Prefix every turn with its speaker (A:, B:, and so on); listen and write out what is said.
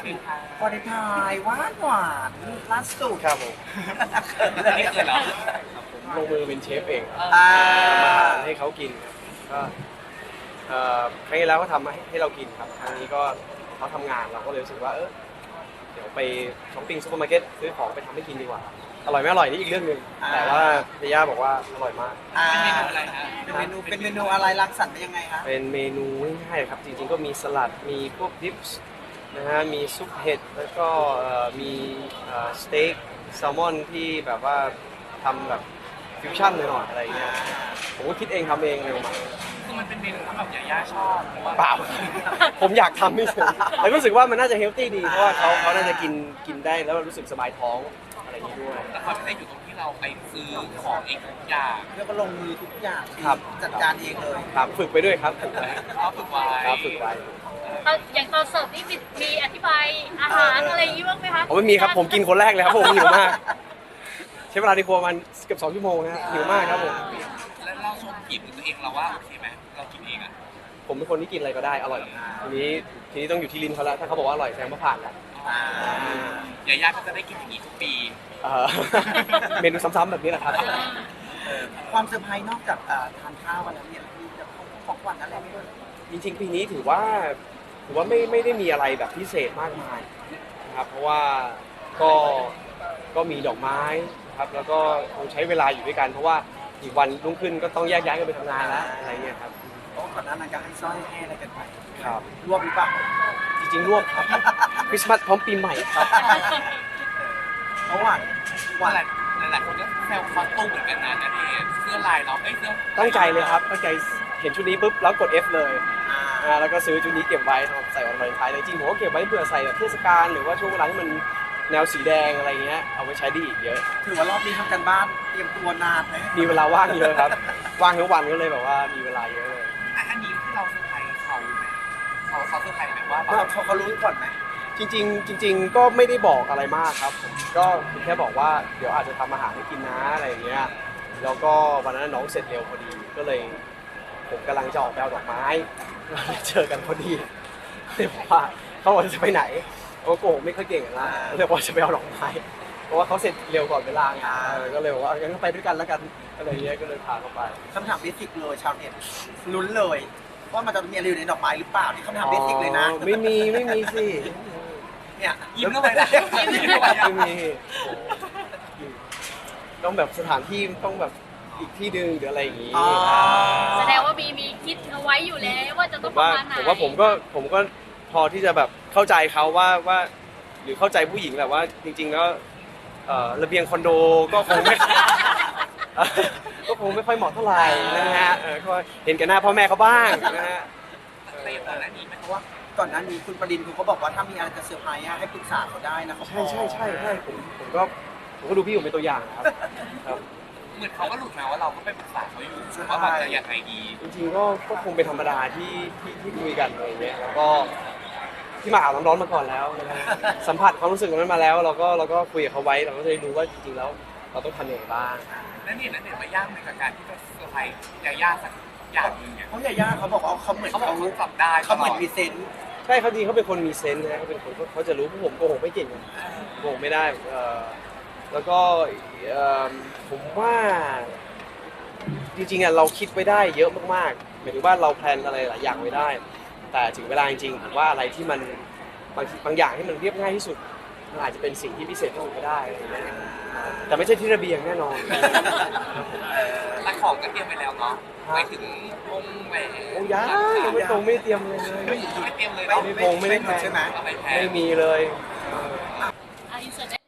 A: วาเลนไทน์หวานหวานล่าสุด
B: ครับผม
C: นี่คือเหรอ
B: ลงมือเป็นเชฟเองครับ
A: อ่า
B: ทำอาหารให้เขากินครับก็ครั้งที่แล้วก็ทำให้เรากินครับครั้งนี้ก็เขาทำงานเราก็เลยรู้สึกว่าเดี๋ยวไปช้อปปิ้งซูเปอร์มาร์เก็ตซื้อของไปทำให้กินดีกว่าอร่อยไม่อร่อยนี่อีกเรื่องหนึ่งแต่ว่าเย่าบอกว่าอร่อยมาก
A: อ่า
C: เป็นเมนูอะไรฮะ
A: เป็นเมนูอะไรรังสรรค์เป็นยังไงคะ
B: เป็นเมนูง่ายๆครับจริงๆก็มีสลัดมีพวกดิปส์นะฮะมีซุปเห็ดแล้วก็มีสเต็กแซลมอนที่แบบว่าทำแบบฟิวชั่นหน่อยๆอะไรเงี้ยผมก็คิดเองทำเองเลยมา
C: คือมันเป็นเมนูที่แบบยาชอบหรือว่า
B: เปล่า ผมอยากทำไม่เฉยแต่รู้สึกว่ามันน่าจะเฮลตี้ดีเพราะว่าเขาน่าจะกินได้แล้วรู้สึกสบายท้องอะไรอย่างนี้ด้วย
C: แต่ความพิเศษอยู่ตรงที่เราไปซื้อของเองทุกอย่าง
A: แล้วก็ลงมือทุกอย่าง
B: ครับ
A: จัดการเองเลย
B: ครับฝึกไปด้วยครับฝึกไว้
C: เขาฝึกไว้
B: ครับฝึกไว้
D: อย่างตอนเสิร์ฟนี่มีอธิบายอาหารอะไรอย่างนี้บ้างไหมคะ
B: ผมไม่มีครับผมกินคนแรกเลยครับผมหิวมากใช้เวลาในครัวประมันเกือบ2 ชั่วโมงนะฮะหิวมากครับผม
C: แล้วเราชมกลิ่นตัวเองเราว่าโอเคไหมเรากินเองอ่ะ
B: ผมเป็นคนที่กินอะไรก็ได้อร่อยทีนี้ต้องอยู่ที่ลิ้นเขาแล้วถ้าเขาบอกว่าอร่อยแสดงว่าผ่านแล้ว
A: อ่า
C: ยาย่าก็จะได้กินอย่างนี้ทุกปี
B: เอ่อ เมนูซ้ำๆแบบนี้แหละครับ
A: ความเซอร์ไพรส์นอกจากทานข้าวกันแล้วเนี่ยมีจะของขวัญอะไรไหมด้วย
B: จริงๆปีนี้ถือว่าไม่ได้มีอะไรแบบพิเศษมากมายนะครับเพราะว่าก็มีดอกไม้ครับแล้วก็คงใช้เวลาอยู่ด้วยกันเพราะว่าอีกวันรุ่งขึ้นก็ต้องแยกย้ายกันไปทำงานแล้วอะไรเงี้ยครับ
A: เพราะก่อนหน้านั้นก็ให้สร้อยให้อะไรกันไป
B: ครับ
A: รวบหรือเปล่า
B: จริงๆรวบครับคริสต์มาสพร้อมปีใหม่ครับ
A: เพราะว่า
C: ว่าหลายคนก็แซวคอสตูมเหมือนกันนะนั่นเองเสื้อลายเราเสื้อ
B: ตั้งใจเลยครับตั้งใจเห็นชุดนี้ปุ๊บแล้วกด F เลยแล้วก็ซื้อชุดนี้เก็บไว้สำหรับใส่วันวาเลนไทน์เลยจริงผมก็เก็บไว้เผื่อใส่แบบเทศกาลหรือว่าช่วงเวลาที่มันแนวสีแดงอะไรเงี้ยเอาไว้ใช้ได้อีกเยอะ
A: ถือว่ารอบนี้ทำกันบ้านเตรียมตัวนานไหม
B: มีเวลาว่างเยอะครับ ว่างทั้งวันก็เลยแบบว่ามีเวลาเยอะเลย
C: อันนี้ที่เราเซอร์ไพรส์เขาไหมเขาเซอร์ไพรส์ไหมว่า
A: เขารู้ก่อนไหม
B: จริงๆก็ไม่ได้บอกอะไรมากครับผมก็แค่บอกว่าเดี๋ยวอาจจะทำอาหารให้กินนะอะไรอย่างเงี้ยแล้วก็วันนั้นน้องเสร็จเร็วพอดีก็เลยผมกำลังจะออกไปเอาดอกไม้เจอกันพอดีเลยบอกว่าเขาบอกจะไปไหนเขาโกหกไม่ค่อยเก่งนะเลยบอกว่าจะไปเอาดอกไม้เพราะว่าเขาเสร็จเร็วก่อนเวลาไงก็เลยบอกว่างั้นก็ไปด้วยกันแล้วกันอะไรอย่างเงี้ยก็เลยพาเขาไป
A: คำถามเบสิกเลยชาวเน็ตลุ้นเลยว่ามันจะมีอะไรอยู่ในดอกไม้หรือเปล่านี่คำถามเบสิกเลยนะ
B: อ๋อไม่มีสิ
A: เนี่ย
C: ยิ้มเข้าไปนะยิ้มเข้าไปนะ
B: ไม่มีต้องแบบสถานที่ต้องแบบอีกที่หนึ่งหรืออะไรอย่างงี้
D: แสดงว่ามีคิดเอาไว้อยู่แล้วว่าจะ
B: ผ
D: ต้อง
B: ม
D: ประ
B: ว่า
D: มาณไหน
B: ผมก็พอที่จะแบบเข้าใจเขาว่าหรือเข้าใจผู้หญิงแหละว่าจริงๆแล้วระเบียงคอนโดก็คงไม่ ก็คงไม่ค่อยเหมาะเท่าไหร่นะฮะก็เห็นแก่หน้าพ่อแม่เขาบ้างนะฮะ
C: เตรียมก่อนหน้านี้ไหม
A: เพราะว่าก่อนหน้านี้คุณประดินคุณเขาบอกว่าถ้ามีอะไรจะเซอร์ไพรส์ให้ปรึกษาเขาได้นะเขาพร้อม
B: ใช่ผมก็ดูพี่ผมเป็นตัวอย่างนะครับครับ
C: เหมือนเขาก็หลุดมาว่าเราก็ไปปรึกษาเขาอยู่ว่าแบบจะยังไงดี
B: จริงๆก็คงเป็นธรรมดาที่คุยกันอะไรเงี้ยแล้วก็ที่มาอาบน้ำร้อนมาก่อนแล้วนะฮะสัมผัสความรู้สึกนั้นมาแล้วเราก็คุยกับเขาไว้เราก็จะได้รู้ว่าจริงๆแล้วเราต้องทำยังไงบ้าง
C: นั่นเนี่ยมายากในกับการที่จะเซอร์ไพรส์ยาย่าสักอย่างหนึงเนี่ย
A: เพราะยาย่าเขาบอกว่าเขาเหมือน
C: เขาบอกเขาจับได้
A: เขาเหมือนมีเซนส์
B: ใช่เขาจริงเขาเป็นคนมีเซนส์นะเขาเป็นคนเขาจะรู้พวกผมโกหกไม่เก่งโกหกไม่ได้แล้วก็ผมว่าจริงๆเราคิดไว้ได้เยอะมากๆหมายถึงว่าเราแพลนอะไรหลายอย่างไว้ได้ แต่ถึงเวลาจริงๆผมว่าอะไรที่มันบางอย่างที่มันเรียบง่ายที่สุดมันอาจจะเป็นสิ่งที่พิเศษที่สุดก็ได้อะไรอย่างเงี้ยแต่ไม่ใช่ที่ระเบียงแน่นอน
C: แต่ของก็เตรียมไปแล้วเนาะไปถึงวงแหวน
B: โอ้ยังไม่ตรงไม่เตรียมเลย
C: ไม่เตรียมเลย
B: ไม่พงไม่ได้แพลน
A: ใช่ไหม
C: เอาไปแพ้
B: ไม่มีเลย
D: อินเสิร์ต